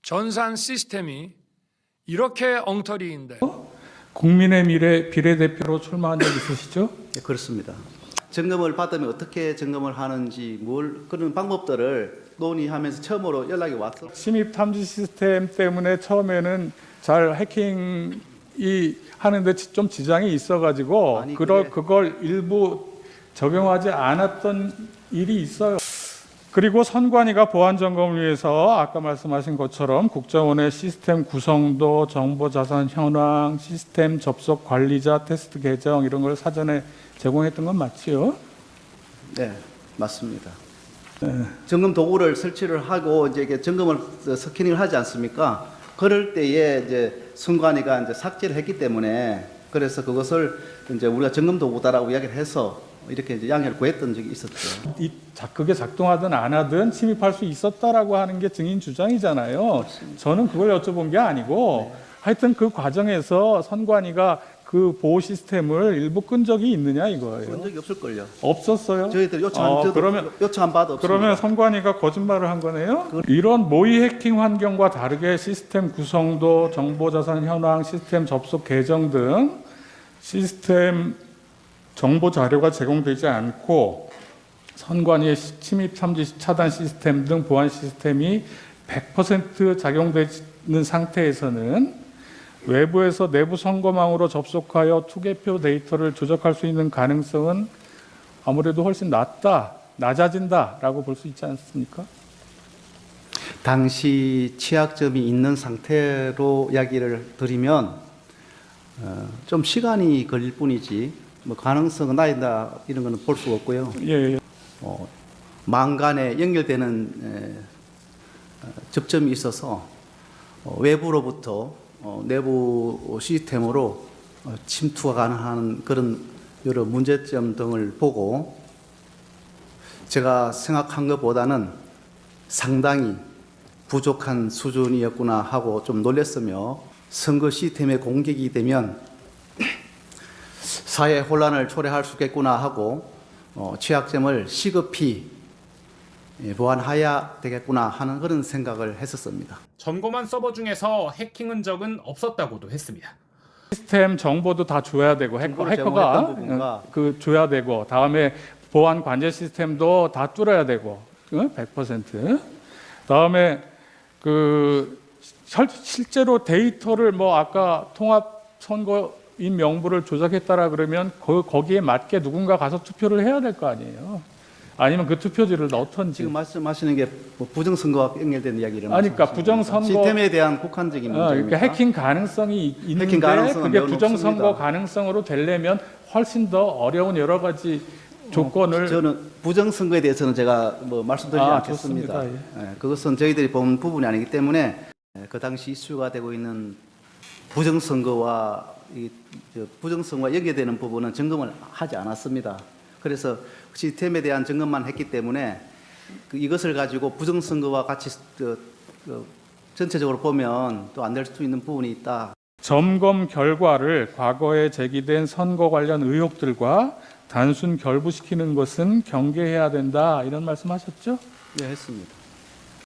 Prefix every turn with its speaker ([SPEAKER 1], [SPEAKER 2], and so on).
[SPEAKER 1] 전산 시스템이 이렇게 엉터리인데
[SPEAKER 2] 국민의 미래 비례대표로 출마한 적 있으시죠?
[SPEAKER 3] 네, 그렇습니다. 점검을 받으면 어떻게 점검을 하는지 그런 방법들을 논의하면서 처음으로 연락이 왔어.
[SPEAKER 2] 침입 탐지 시스템 때문에 처음에는 잘 해킹이 하는데 좀 지장이 있어가지고
[SPEAKER 3] 아니,
[SPEAKER 2] 그걸 일부 적용하지 않았던 일이 있어요. 그리고 선관위가 보안 점검을 위해서 아까 말씀하신 것처럼 국정원의 시스템 구성도, 정보 자산 현황, 시스템 접속 관리자 테스트 계정 이런 걸 사전에 제공했던 건 맞지요?
[SPEAKER 3] 네, 맞습니다. 점검 도구를 설치를 하고 이제 이게 점검을 스캐닝을 하지 않습니까? 그럴 때에 이제 선관위가 이제 삭제를 했기 때문에 그래서 그것을 이제 우리가 점검 도구다라고 이야기를 해서 이렇게 이제 양해를 구했던 적이 있었죠.
[SPEAKER 2] 그게 작동하든 안 하든 침입할 수 있었다라고 하는 게 증인 주장이잖아요.
[SPEAKER 3] 맞습니다.
[SPEAKER 2] 저는 그걸 여쭤본 게 아니고 하여튼 그 과정에서 선관위가 그 보호 시스템을 일부 끈 적이 있느냐 이거예요.
[SPEAKER 3] 그런 적이 없을걸요.
[SPEAKER 2] 없었어요?
[SPEAKER 3] 저희들 요청 안 받아 없습니다.
[SPEAKER 2] 그러면 선관위가 거짓말을 한 거네요? 이런 모의 해킹 환경과 다르게 시스템 구성도, 정보자산 현황, 시스템 접속 계정 등 시스템 정보 자료가 제공되지 않고 선관위의 침입 탐지 차단 시스템 등 보안 시스템이 100% 작용되는 상태에서는 외부에서 내부 선거망으로 접속하여 투개표 데이터를 조작할 수 있는 가능성은 아무래도 훨씬 낮아진다라고 볼 수 있지 않습니까?
[SPEAKER 3] 당시 취약점이 있는 상태로 이야기를 드리면 좀 시간이 걸릴 뿐이지 뭐 가능성은 낮다 이런 거는 볼 수가 없고요.
[SPEAKER 2] 예.
[SPEAKER 3] 망 간에 연결되는 접점이 있어서 외부로부터 내부 시스템으로 침투가 가능한 그런 여러 문제점 등을 보고 제가 생각한 것보다는 상당히 부족한 수준이었구나 하고 좀 놀랐으며 선거 시스템에 공격이 되면 사회 혼란을 초래할 수 있겠구나 하고 취약점을 시급히 보완해야 되겠구나 하는 그런 생각을 했었습니다.
[SPEAKER 4] 점검한 서버 중에서 해킹 흔적은 없었다고도 했습니다.
[SPEAKER 2] 시스템 정보도 다 줘야 되고 해커가 줘야 되고 다음에 보안 관제 시스템도 다 뚫어야 되고 100%. 다음에 실제로 데이터를 뭐 아까 통합 선거인 명부를 조작했다라 그러면 거기에 맞게 누군가 가서 투표를 해야 될 거 아니에요. 아니면 그 투표지를 넣던지.
[SPEAKER 3] 지금 말씀하시는 게 뭐 부정선거와 연결된 이야기를
[SPEAKER 2] 그러니까 부정선거
[SPEAKER 3] 시스템에 대한 국한적인 문제입니까?
[SPEAKER 2] 그러니까 해킹 가능성이 있는데
[SPEAKER 3] 해킹 가능성은
[SPEAKER 2] 그게
[SPEAKER 3] 매우
[SPEAKER 2] 부정선거
[SPEAKER 3] 높습니다.
[SPEAKER 2] 가능성으로 되려면 훨씬 더 어려운 여러 가지 조건을
[SPEAKER 3] 저는 부정선거에 대해서는 제가 뭐 말씀드리지 않겠습니다.
[SPEAKER 2] 좋습니다.
[SPEAKER 3] 예, 그것은 저희들이 본 부분이 아니기 때문에 그 당시 이슈가 되고 있는 부정선거와 부정선거와 연계되는 부분은 점검을 하지 않았습니다. 그래서 시스템에 대한 점검만 했기 때문에 이것을 가지고 부정선거와 같이 전체적으로 보면 또 안 될 수 있는 부분이 있다.
[SPEAKER 2] 점검 결과를 과거에 제기된 선거 관련 의혹들과 단순 결부시키는 것은 경계해야 된다 이런 말씀하셨죠?
[SPEAKER 3] 네, 했습니다.